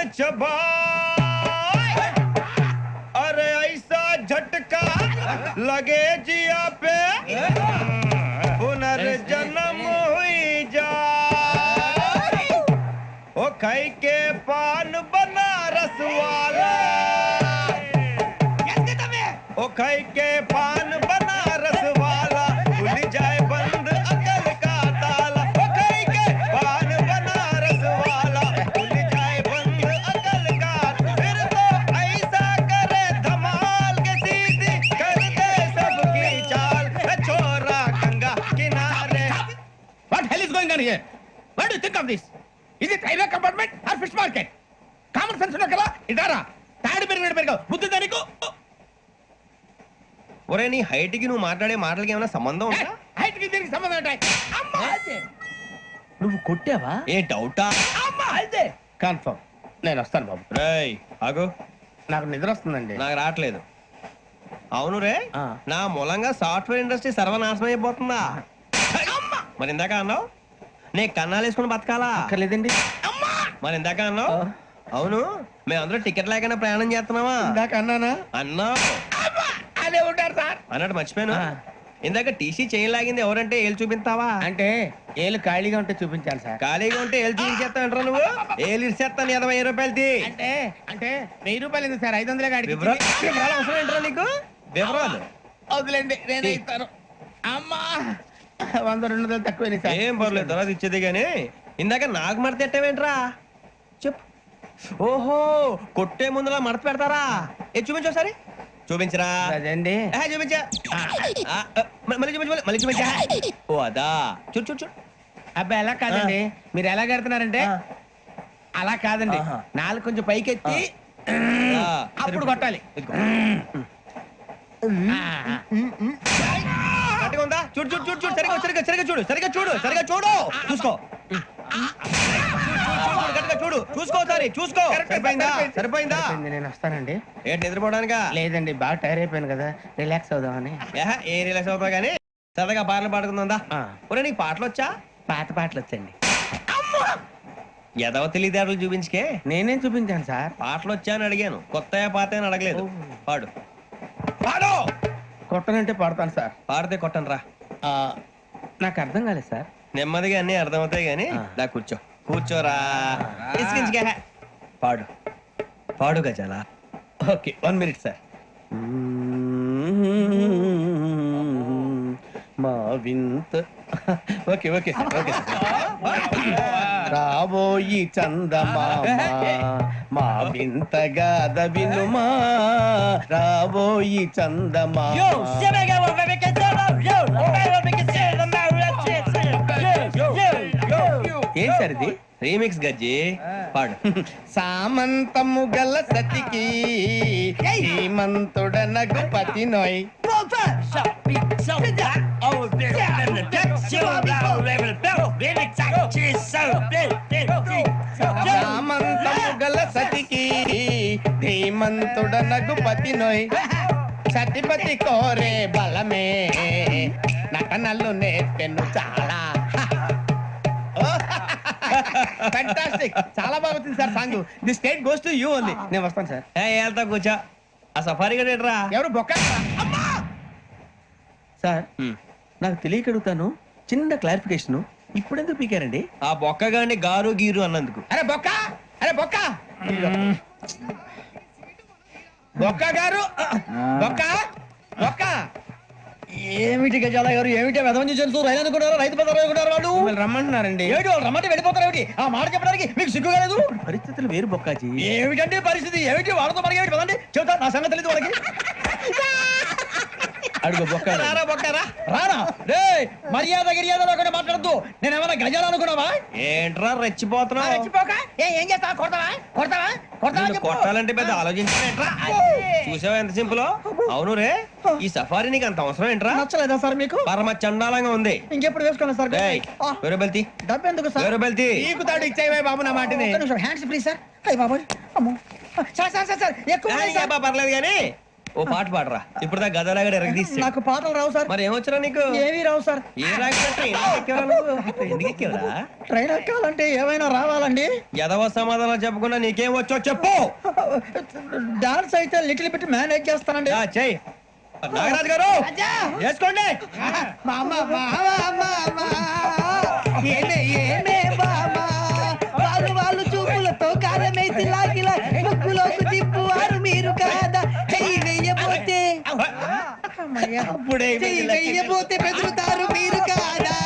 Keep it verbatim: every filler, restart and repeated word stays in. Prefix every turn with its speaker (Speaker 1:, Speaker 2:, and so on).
Speaker 1: अरे ऐसा झटका लगे जिया पे पुनर्जन्म हुई जा ओ खाई के पान बनारस वाला ओ खाई के पान बनारस वाला खुल जाए बंद अकल का ताला ओ खाई के पान बनारस वाला खुल जाए बंद अकल का फिर तो ऐसा करे धमाल के सीधी कर दे सबकी चाल छोरा गंगा किनारे.
Speaker 2: What hell is going on here? What do you think of this? Is it railway compartment or fish market? Common sense ఉన్నా కదా ఇదారా తాడు పెరిగినట్టు పెరిగావు బుద్ధి దానికి.
Speaker 1: ఒరే నీ హైట్ కి నువ్వు మాట్లాడే మాటలకి ఏమైనా సంబంధం ఉందా?
Speaker 2: హైట్ కి దీనికి సంబంధం ఉంటాయి. అమ్మా
Speaker 3: నువ్వు కొట్టావా?
Speaker 1: ఏ డౌటా?
Speaker 2: అమ్మా అయితే కన్ఫర్మ్ నేను వస్తాను బాబు.
Speaker 1: రేయ్ ఆగు,
Speaker 2: నాకు నిద్ర వస్తుందండి.
Speaker 1: నాకు రావట్లేదు. అవును రే,
Speaker 3: ఆ.
Speaker 1: నా మూలంగా సాఫ్ట్వేర్ ఇండస్ట్రీ సర్వనాశనం అయిపోతుందా? మరి ఇందాక అన్నావు నే కన్నాలు వేసుకుని బతకాలా?
Speaker 3: అక్కర్లేదండి.
Speaker 1: మరి ఇందాక అన్నావు అవును మేమందరూ టికెట్ లేకుండా ప్రయాణం చేస్తున్నావా?
Speaker 2: ఇందాక అన్నానా?
Speaker 1: అన్నావు.
Speaker 2: అదే ఉంటారు సార్.
Speaker 1: అన్నట్టు మర్చిపోయాను,
Speaker 3: ఆ.
Speaker 1: ఇందాక టీసీ చేయి లాగింది ఎవరంటే ఏళ్ళు చూపిస్తావా?
Speaker 2: అంటే ఏళ్ళు ఖాళీగా ఉంటే చూపించాలి సార్.
Speaker 1: ఖాళీగా ఉంటే ఏళ్ళు చూపించేస్తానంటారా నువ్వు? ఏళ్ళు ఇచ్చేస్తాను ఇరవై రూపాయలది.
Speaker 2: అంటే అంటే వెయ్యి రూపాయలు ఎందుకు సార్? ఐదు వందలే గాడికి
Speaker 1: వివరాలు వివరాలు అవసరం ఏంటరా నీకు? వివరాలు
Speaker 2: వదిలేండి నేనే ఇస్తాను. అమ్మా వంద రెండు వందలు తక్కువ సార్.
Speaker 1: ఏం పర్లేదు తర్వాత ఇచ్చేది గానీ ఇందాక నాకు మడత ఎట్టవేంట్రా చెప్పు. ఓహో కొట్టే ముందులా మడత పెడతారా? ఏ చూపించు ఒకసారి చూపించరా.
Speaker 2: అదండి
Speaker 1: ఏ, చూపించా. ఆ, ఆ, మళ్ళీ చూపించు మళ్ళీ- మళ్ళీ చూపించా. ఓ అదా చూడు చూడు చూడు.
Speaker 2: అబ్బాయి ఎలా కాదండి, మీరు ఎలా కడుతున్నారంటే
Speaker 1: ఆ.
Speaker 2: అలా కాదండి.
Speaker 1: ఆహా.
Speaker 2: నాలుగు కొంచెం పైకెత్తి
Speaker 1: ఆ,
Speaker 2: అప్పుడు కొట్టాలి.
Speaker 1: ఇదిగో.
Speaker 2: ఆ, ఆ.
Speaker 1: కరెక్ట్గా ఉందా? చూడు చూడు చూడు చూడు సరిగా సరిగా సరిగా చూడు సరిగా చూడు సరిగా చూడు చూసుకో. కరెక్ట్గా చూడు చూసుకో సరే చూసుకో. సరిపోయిందా? సరిపోయిందా?
Speaker 2: సరిపోయింది, నేను వస్తానండి.
Speaker 1: ఏంటి నిద్రపోవడానికా?
Speaker 2: లేదండి బాగా టైర్ అయిపోయాను కదా, రిలాక్స్ అవుదామని.
Speaker 1: ఏహ, ఏ రిలాక్స్ అవుతావు కానీ సరదాగా పాటలు పాడుకుందా?
Speaker 2: ఆ.
Speaker 1: ఒరే నీకు పాటలు వచ్చా?
Speaker 2: పాత పాటలు వచ్చండి.
Speaker 1: ఎదవ తెలివితేటలు చూపించుకే.
Speaker 2: నేనేం చూపించాను సార్?
Speaker 1: పాటలు వచ్చా అని అడిగాను, కొత్త పాత అని అడగలేదు. పాడు పాడు.
Speaker 2: కొట్టనంటే పడతాను సార్.
Speaker 1: పాడితే కొట్టను రా.
Speaker 2: ఆ, నాకు అర్థం కాలేదు సార్.
Speaker 1: నెమ్మదిగా అన్ని అర్థమవుతాయి గానీ
Speaker 2: ఆ.
Speaker 1: దా కూర్చో కూర్చోరా. ఇసుకించుకే. పాడు పాడు గజాల.
Speaker 2: Okay one minute sir. మా వింత okay okay sir okay sir. రాబోయి చందమామ మా వింతగా వినుమా, రాబోయి చందమామ. ఏం సార్ ఇది?
Speaker 1: రీమిక్స్ గజ్జి పాడు.
Speaker 2: సామంతము గల సతికి శ్రీమంతుడ నగుపతి నోయ్. సామంతము గల సతికి ధీమంతుడ నగుపతి నోయ్. సతిపతి కోరే బలమే నటనలు నేర్పెను చాలా. ఫ్యాంటాస్టిక్, చాలా బాగా వచ్చింది sir song. The state goes to you only. నేను వస్తాను సార్.
Speaker 1: ఏ వెళ్తా కూర్చో. ఆ సఫారీ గడ్ ఏంట్రా?
Speaker 2: ఎవరు బొక్క సార్? నాకు తెలియక అడుగుతాను, చిన్న క్లారిఫికేషన్. ఇప్పుడు ఎందుకు పీకారండి?
Speaker 1: ఆ బొక్కగాని గారు గీరు అన్నందుకు.
Speaker 2: అరే బొక్క, అరే బొక్క, బొక్క గారు, బొక్క బొక్క.
Speaker 3: ఏమిటి గజాల గారు, ఏమిటి వెదవని చూసి రైలు అనుకున్నారా? రైతు బజార్ అనుకున్నారు వాళ్ళు.
Speaker 2: మిమ్మల్ని రమ్మంటున్నారండి.
Speaker 3: ఏమిటి వాళ్ళు రమ్మంటే వెళ్ళిపోతారు? ఏమిటి ఆ మాట చెప్పడానికి మీకు సిగ్గు కాలేదు?
Speaker 2: పరిస్థితులు వేరు బొక్కాజీ.
Speaker 3: ఏమిటంటే పరిస్థితి? ఏమిటి వాళ్ళతో మనకి ఏమిటి పదండి చెబుతా, నా సంగతి తెలియదు వాళ్ళకి.
Speaker 2: అడుగు బొక్క.
Speaker 1: రారా బొక్కరా.
Speaker 3: రానా రే, మర్యాద గిర్యాద లేకుండా మాట్లాడద్దు. నేను ఏమైనా గజాలు అనుకున్నావా?
Speaker 1: ఏంట్రా రెచ్చిపోతున్నావు?
Speaker 2: రెచ్చిపోక ఏం చేస్తావా? కొడతావా కొడతావా కొడతావా
Speaker 1: నిన్ను కొట్టాలంటే పెద్ద ఆలోచించానేంట్రా? చూసావా ఎంత సింపుల్. అవును రే, ఈ సఫారీ నీకు అంత అవసరం ఏంట్రా?
Speaker 3: నచ్చలేదా సార్ మీకు?
Speaker 1: పరమ చండాలంగా ఉంది.
Speaker 3: ఇంకెప్పుడు వేసుకోండి సార్.
Speaker 1: రేయ్, వేరే బెల్తి
Speaker 3: డబ్బు ఎందుకు సార్?
Speaker 1: వేరే బెల్తి.
Speaker 2: నీకు తాడు ఇచ్చాయి బాబు నా మాటని.
Speaker 3: Hands please sir. అయ్యి బాబోయ్, అమ్మో సార్ సార్ సార్ సార్ ఎక్కువ ఉన్నాయి సార్.
Speaker 1: పర్లేదు కానీ ఓ పాట పాడరా ఇప్పుడు దా గదలాగడ ఎరగదీసి
Speaker 3: నాకు పాటలు రావు సార్.
Speaker 1: మరి ఏమొచ్చరా నీకు?
Speaker 3: ఏమీ రావు సార్.
Speaker 1: ఏ రాకపోతే ఎందుకు ఎక్కేవరా నువ్వు? ఎందుకు ఎక్కేవరా?
Speaker 3: ట్రైన్ ఎక్కాలంటే ఏమైనా రావాలండి?
Speaker 1: ఎదవ సమాధానం చెప్పకుండా నీకేం వచ్చో చెప్పు.
Speaker 3: డాన్స్ అయితే లిటిల్ బిట్ మేనేజ్ చేస్తానండి.
Speaker 1: ఆ, చెయ్ నాగరాజు గారు వేసుకోండి.
Speaker 3: మామ మామ మామ ఏమే ఏమే మామ వాళ్ళు వాళ్ళు చూపులతో కాలమేసి లాగిలా ముగ్గులోకి తిప్పువారు మీరు కాదా? చెయ్యి వెయ్యబోతే
Speaker 1: అప్పుడే
Speaker 3: చెయ్యి వెయ్యబోతే బెదురుతారు మీరు కాదా?